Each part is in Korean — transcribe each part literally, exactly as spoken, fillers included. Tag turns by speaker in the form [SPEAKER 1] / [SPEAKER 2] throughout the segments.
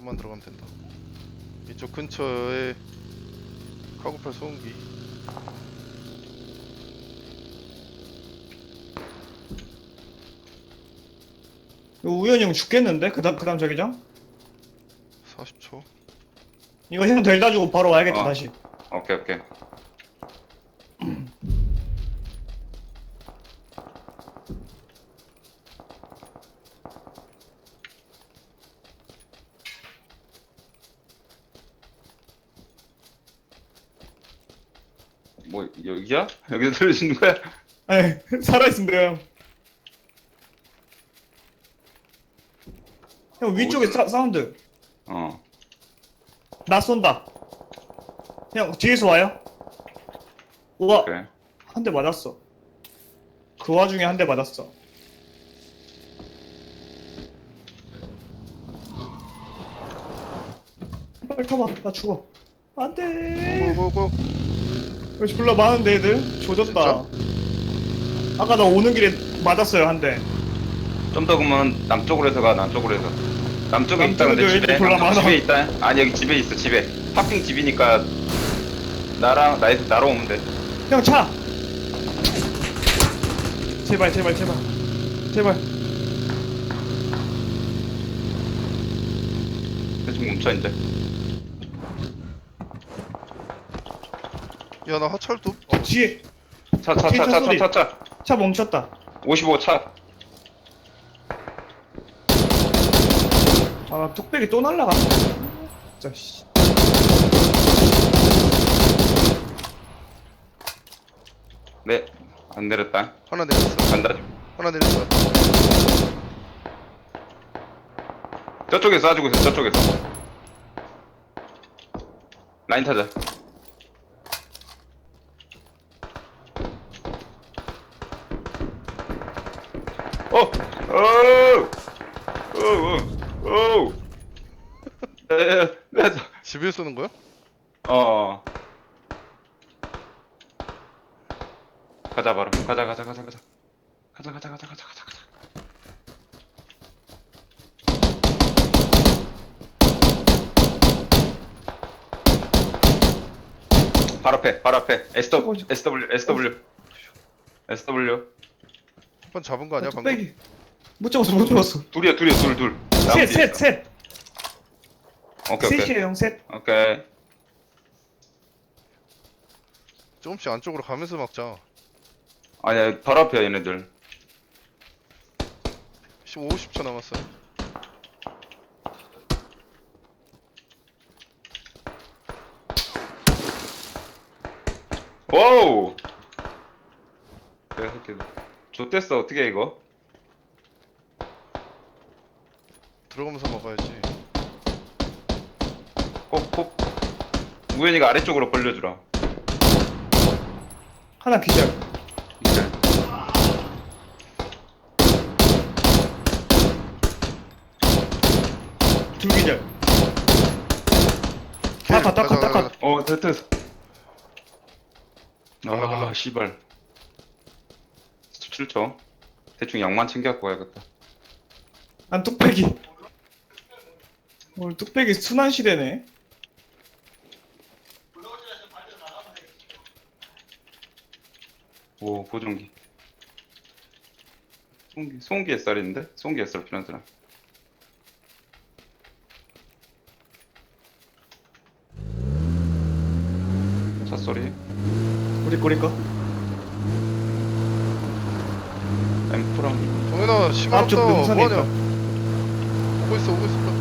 [SPEAKER 1] 좀만 들어가면 된다. 이쪽 근처에 카고팔 소음기.
[SPEAKER 2] 이거 우연히 형 죽겠는데? 그 다음, 그 다음 자기장?
[SPEAKER 1] 사십 초.
[SPEAKER 2] 이거 형 델다 주고 바로 와야겠다,
[SPEAKER 3] 어.
[SPEAKER 2] 다시.
[SPEAKER 3] 오케이 오케이. 뭐 여기야? 여기서 들으시는 거야?
[SPEAKER 2] 에이, 살아있습니다, 형. 형, 위쪽에
[SPEAKER 3] 어디서?
[SPEAKER 2] 사, 사운드.
[SPEAKER 3] 어.
[SPEAKER 2] 나 쏜다. 형, 뒤에서 와요? 우와,
[SPEAKER 3] 그래.
[SPEAKER 2] 한 대 맞았어. 그 와중에 한 대 맞았어. 빨리 타봐, 나 죽어. 안 돼.
[SPEAKER 1] 고고고.
[SPEAKER 2] 역시 불러 많은데, 애들? 조졌다. 아까 나 오는 길에 맞았어요, 한 대.
[SPEAKER 3] 좀 더 그러면 남쪽으로 해서 가. 남쪽으로 해서. 남쪽에 있다.
[SPEAKER 2] 남쪽에도
[SPEAKER 3] 근데
[SPEAKER 2] 애들
[SPEAKER 3] 집에.
[SPEAKER 2] 졸라
[SPEAKER 3] 남쪽
[SPEAKER 2] 많아.
[SPEAKER 3] 집에 있다. 아니 여기 집에 있어. 집에. 파킹 집이니까 나랑 나 나로 오면 돼.
[SPEAKER 2] 형, 차! 제발, 제발, 제발. 제발.
[SPEAKER 3] 대충 멈춰 이제.
[SPEAKER 1] 야 나 하철도. 어,
[SPEAKER 2] 뒤에,
[SPEAKER 3] 차 차 차 차 차 차.
[SPEAKER 2] 차 멈췄다.
[SPEAKER 3] 오십오 차.
[SPEAKER 2] 아, 뚝배기 또 날라가. 진짜, 씨.
[SPEAKER 3] 네. 안 내렸다.
[SPEAKER 1] 하나 내렸어.
[SPEAKER 3] 간다.
[SPEAKER 1] 하나 내렸어.
[SPEAKER 3] 저쪽에서 쏴주고 있어. 저쪽에서. 라인 타자. 어! 어! 어! 어! 어! 에, 에,
[SPEAKER 1] 집에 쏘는 거야?
[SPEAKER 3] 어. 가자 바로. 가자 가자 가자 가자. 가자 가자 가자 가자 가자 가자. 바로 앞에. 바로 앞에. 에스더블유 에스더블유 에스더블유 에스더블유.
[SPEAKER 1] 한 번 잡은 거 아니야
[SPEAKER 2] 아,
[SPEAKER 1] 방금?
[SPEAKER 2] 뚝배기. 못 잡았어, 못 잡았어.
[SPEAKER 3] 둘이야 둘이야 둘 둘. 나무
[SPEAKER 2] 셋,
[SPEAKER 3] 뒤에
[SPEAKER 2] 셋,
[SPEAKER 3] 있어.
[SPEAKER 2] 셋.
[SPEAKER 3] 오케이 오케이.
[SPEAKER 2] 셋이에요, 형, 셋.
[SPEAKER 3] 오케이.
[SPEAKER 1] 조금씩 안쪽으로 가면서 막자.
[SPEAKER 3] 아니야 바로 앞이야 얘네들.
[SPEAKER 1] 오십 초 남았어.
[SPEAKER 3] 와우. 내가 이렇게 좋댔어 어떻게 이거?
[SPEAKER 1] 들어가면서 먹어야지.
[SPEAKER 3] 꼭꼭 우연이가 아래쪽으로 벌려주라.
[SPEAKER 2] 하나 기절.
[SPEAKER 3] 이제.
[SPEAKER 2] 둘 기절. 다 컷, 다 컷, 다 컷.
[SPEAKER 3] 어 됐어.
[SPEAKER 1] 갈라, 갈라.
[SPEAKER 3] 아 씨발. 십칠 초. 대충 양만 챙겨갖고 가야겠다.
[SPEAKER 2] 난 뚝배기. 오늘 뚝배기 순환 시대네.
[SPEAKER 3] 오 보정기. 송기 송기 햇살인데? 송기 햇살 필요한 사람. 차 소리.
[SPEAKER 2] 우리 꼬리 거.
[SPEAKER 3] 엠프랑.
[SPEAKER 1] 동현아 시간
[SPEAKER 2] 앞쪽
[SPEAKER 1] 없다.
[SPEAKER 2] 능선에
[SPEAKER 1] 뭐하냐?
[SPEAKER 2] 있다.
[SPEAKER 1] 오고 있어 오고 있어.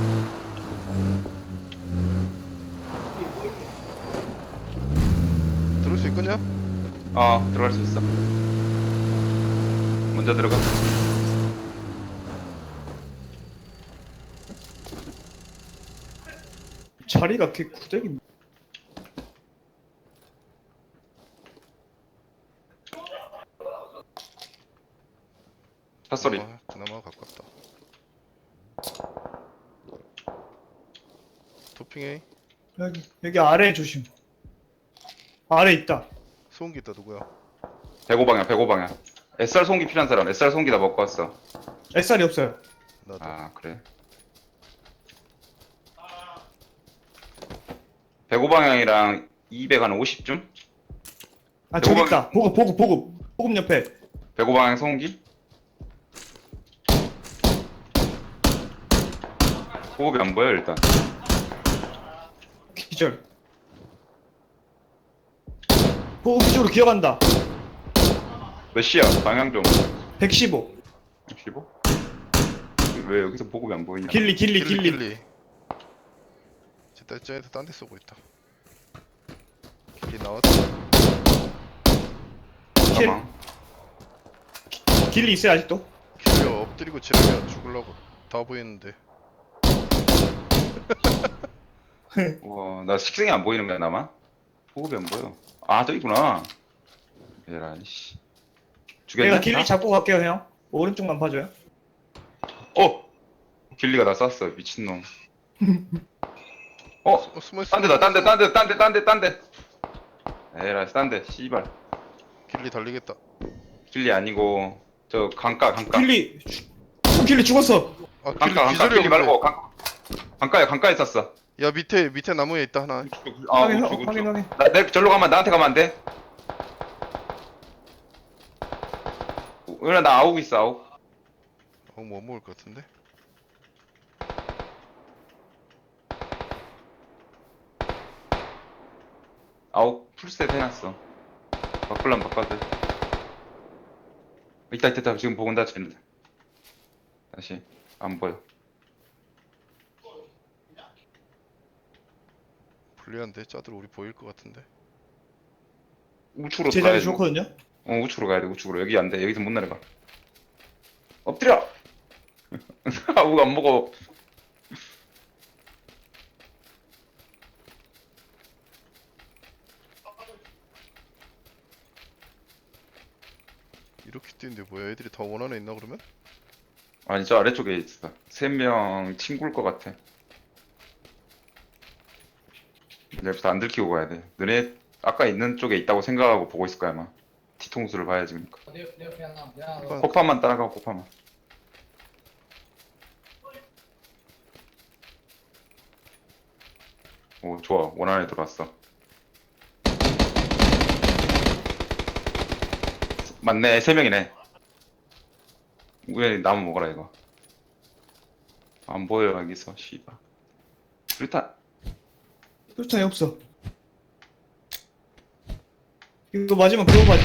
[SPEAKER 1] 들을 수 있겠냐?
[SPEAKER 3] 어 들어갈 수 있어. 먼저 들어가.
[SPEAKER 2] 자리가 개 구대기.
[SPEAKER 3] 차 소리.
[SPEAKER 1] 그나마, 그나마 가깝다. 도핑해.
[SPEAKER 2] 여기, 여기 아래 조심. 아래 있다.
[SPEAKER 1] 소음기 있다 누구야?
[SPEAKER 3] 백오 방향 백오 방향. 에스알 송기 필요한 사람. 에스알 송기 다 먹고 왔어.
[SPEAKER 2] 햇살이 없어요.
[SPEAKER 1] 나도.
[SPEAKER 3] 아 그래. 백오 방향이랑 이백 한 오십쯤?
[SPEAKER 2] 아 저기
[SPEAKER 3] 요거-
[SPEAKER 2] 있다. 보급 보급 보급 보급 옆에
[SPEAKER 3] 백오 방향 소음기? 호흡이 안 보여 일단.
[SPEAKER 2] 기절. 보급 이쪽으로 기어간다.
[SPEAKER 3] 몇 시야? 방향 좀.
[SPEAKER 2] 백십오.
[SPEAKER 3] 십오? 왜 여기서 보급이 안 보이냐?
[SPEAKER 2] 길리 길리 길리.
[SPEAKER 1] 길리. 쟤 쟤한테 딴 데 쏘고 있다. 길리 나왔다.
[SPEAKER 3] 잠깐만.
[SPEAKER 2] 길리 있어요 아직도?
[SPEAKER 1] 길리 엎드리고 지르면 죽으려고 다 보이는데.
[SPEAKER 3] 와, 나 식생이 안 보이는 거야 나만? 보급이 안 보여. 아, 저 있구나. 얘란 씨. 죽였냐?
[SPEAKER 2] 내가 길리 잡고 갈게요 형. 오른쪽만 봐줘요.
[SPEAKER 3] 어! 길리가 나 쐈어 미친놈. 어!
[SPEAKER 1] 어, 숨어 있어.
[SPEAKER 3] 딴 데다 딴 데 딴 데 딴 데 딴 데 딴 데 에라 딴데 씨발.
[SPEAKER 1] 길리 달리겠다.
[SPEAKER 3] 길리 아니고 저 강가 강가
[SPEAKER 2] 길리 죽- 길리 죽었어.
[SPEAKER 1] 아 길리
[SPEAKER 3] 강가 강가
[SPEAKER 1] 기절이
[SPEAKER 3] 길리
[SPEAKER 1] 없네.
[SPEAKER 3] 말고 강 강가에 강가에 쐈어.
[SPEAKER 1] 야 밑에 밑에 나무에 있다 하나.
[SPEAKER 3] 아
[SPEAKER 2] 확인
[SPEAKER 3] 우측
[SPEAKER 2] 확인
[SPEAKER 3] 우측.
[SPEAKER 2] 확인.
[SPEAKER 3] 나, 내 절로 가면 나한테 가면 안 돼? 은하 나 아욱 있어 아욱.
[SPEAKER 1] 어, 뭐 먹을 것 같은데?
[SPEAKER 3] 아욱 풀셋 해놨어. 바꿀라면 바꿔도 돼. 있다 있다 있다 지금 보고 온다 쟤는. 다시 안 보여.
[SPEAKER 1] 불리한데 짜들 우리 보일 것 같은데.
[SPEAKER 3] 우측으로
[SPEAKER 2] 제
[SPEAKER 3] 가야
[SPEAKER 2] 자리
[SPEAKER 3] 돼.
[SPEAKER 2] 좋거든요.
[SPEAKER 3] 어 우측으로 가야 돼 우측으로. 여기 안 돼. 여기서 못 내려가. 엎드려. 아욱 안 먹어.
[SPEAKER 1] 이렇게 뛰는데 뭐야? 애들이 다 원안에 있나 그러면?
[SPEAKER 3] 아니 저 아래쪽에 있어. 세 명 친구일 것 같아. 여기서 안 들키고 가야 돼. 너네 아까 있는 쪽에 있다고 생각하고 보고 있을 거야 아마. 뒤통수를 봐야지 그러니까.
[SPEAKER 1] 한번
[SPEAKER 3] 코파만 따라가 코파만. 오 좋아 원안에 들어왔어. 맞네 세 명이네. 왜 나무 먹어라 이거. 안 보여 여기서 씨발. 일단
[SPEAKER 2] 수류탄이 없어. 이거 맞으면 그거 맞지?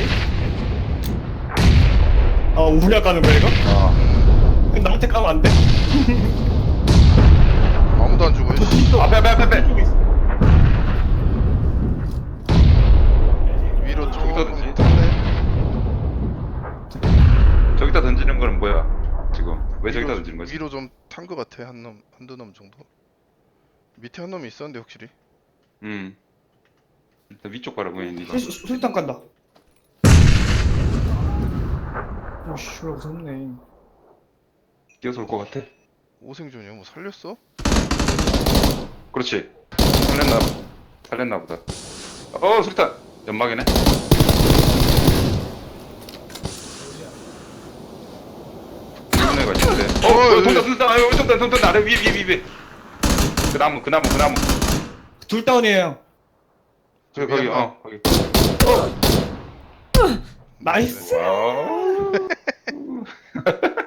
[SPEAKER 2] 아 우리가 까는 거야 이거?
[SPEAKER 3] 어.
[SPEAKER 2] 나한테 까면 안 돼.
[SPEAKER 1] 아무도 안 죽어. 씨.
[SPEAKER 3] 앞에 앞에 앞에 앞에.
[SPEAKER 2] 이쪽에 있어.
[SPEAKER 1] 위로
[SPEAKER 3] 저기다
[SPEAKER 1] 조금
[SPEAKER 3] 던지.
[SPEAKER 1] 탔네.
[SPEAKER 3] 저기다 던지는 거는 뭐야 지금 왜 저기다
[SPEAKER 1] 위로-
[SPEAKER 3] 던지는 거지?
[SPEAKER 1] 위로 좀 탄 것 같아. 한 놈, 한두 놈 정도. 밑에 한 놈이 있었는데 확실히.
[SPEAKER 3] 음 일단 위쪽 가라 보이니 니가.
[SPEAKER 2] 수- 수- 수류탄 깐다. 오씨 졸라 무섭네.
[SPEAKER 3] 뛰어서 올 것 같아.
[SPEAKER 1] 오생존이야. 뭐 살렸어?
[SPEAKER 3] 그렇지 살렸나 살렸나 보다. 어 수류탄 연막이네. 이런 애가 있는데. 어,
[SPEAKER 1] 어,
[SPEAKER 3] 어
[SPEAKER 1] 여기.
[SPEAKER 3] 돈다 돈다 아유 돈다 돈다 아래 위에 위에 위에 위에. 그 나무 그 나무 그 나무.
[SPEAKER 2] 둘 다운이에요.
[SPEAKER 3] 저기
[SPEAKER 1] 저기
[SPEAKER 3] 거기
[SPEAKER 1] 한
[SPEAKER 3] 어 거기.
[SPEAKER 2] 나이스.
[SPEAKER 3] 와우.